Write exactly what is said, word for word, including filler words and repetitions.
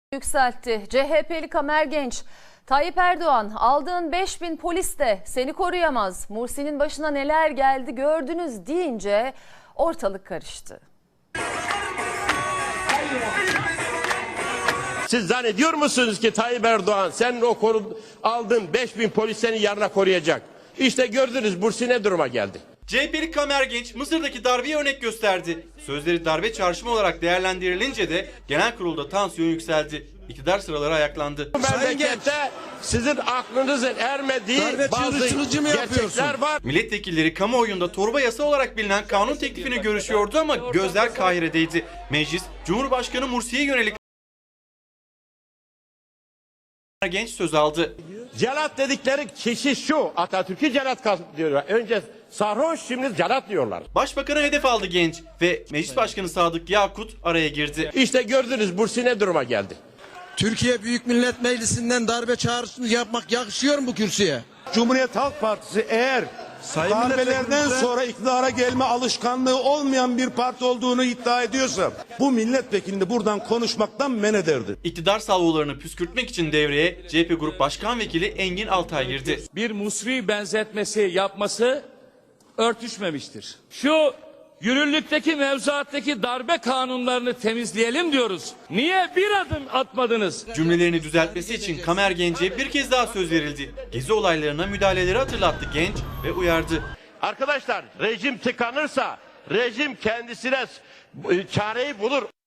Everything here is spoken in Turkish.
Yükseltti. C H P'li Kamer Genç, Tayyip Erdoğan aldığın beş bin polis de seni koruyamaz. Mursi'nin başına neler geldi gördünüz deyince ortalık karıştı. Siz zannediyor musunuz ki Tayyip Erdoğan senin o koru, aldığın beş bin polis seni yarına koruyacak? İşte gördünüz Mursi ne duruma geldi. C H P'li Kamer Genç Mısır'daki darbeye örnek gösterdi. Sözleri darbe çağrışımı olarak değerlendirilince de genel kurulda tansiyon yükseldi. İktidar sıraları ayaklandı. Bu memlekette sizin aklınızın ermediği bazı gerçekler var. Milletvekilleri kamuoyunda torba yasa olarak bilinen kanun teklifini görüşüyordu ama gözler Kahire'deydi. Meclis, Cumhurbaşkanı Mursi'ye yönelik Genç söz aldı. Celat dedikleri kişi şu, Atatürk'ü celat diyorlar. Önce sarhoş, şimdi celat diyorlar. Başbakanı hedef aldı Genç ve Meclis Başkanı Sadık Yakut araya girdi. İşte gördünüz Mursi ne duruma geldi. Türkiye Büyük Millet Meclisi'nden darbe çağrısını yapmak yakışıyor mu bu kürsüye? Cumhuriyet Halk Partisi eğer Sayın darbelerden sonra iktidara gelme alışkanlığı olmayan bir parti olduğunu iddia ediyorsa bu milletvekilini buradan konuşmaktan men ederdi. İktidar salvolarını püskürtmek için devreye C H P Grup Başkan Vekili Engin Altay girdi. Bir Musri benzetmesi yapması örtüşmemiştir. Şu yürürlükteki mevzuattaki darbe kanunlarını temizleyelim diyoruz. Niye bir adım atmadınız? Cümlelerini düzeltmesi için Kamer Genç'e bir kez daha söz verildi. Gezi olaylarına müdahaleleri hatırlattı Genç ve uyardı. Arkadaşlar rejim tıkanırsa rejim kendisine çareyi bulur.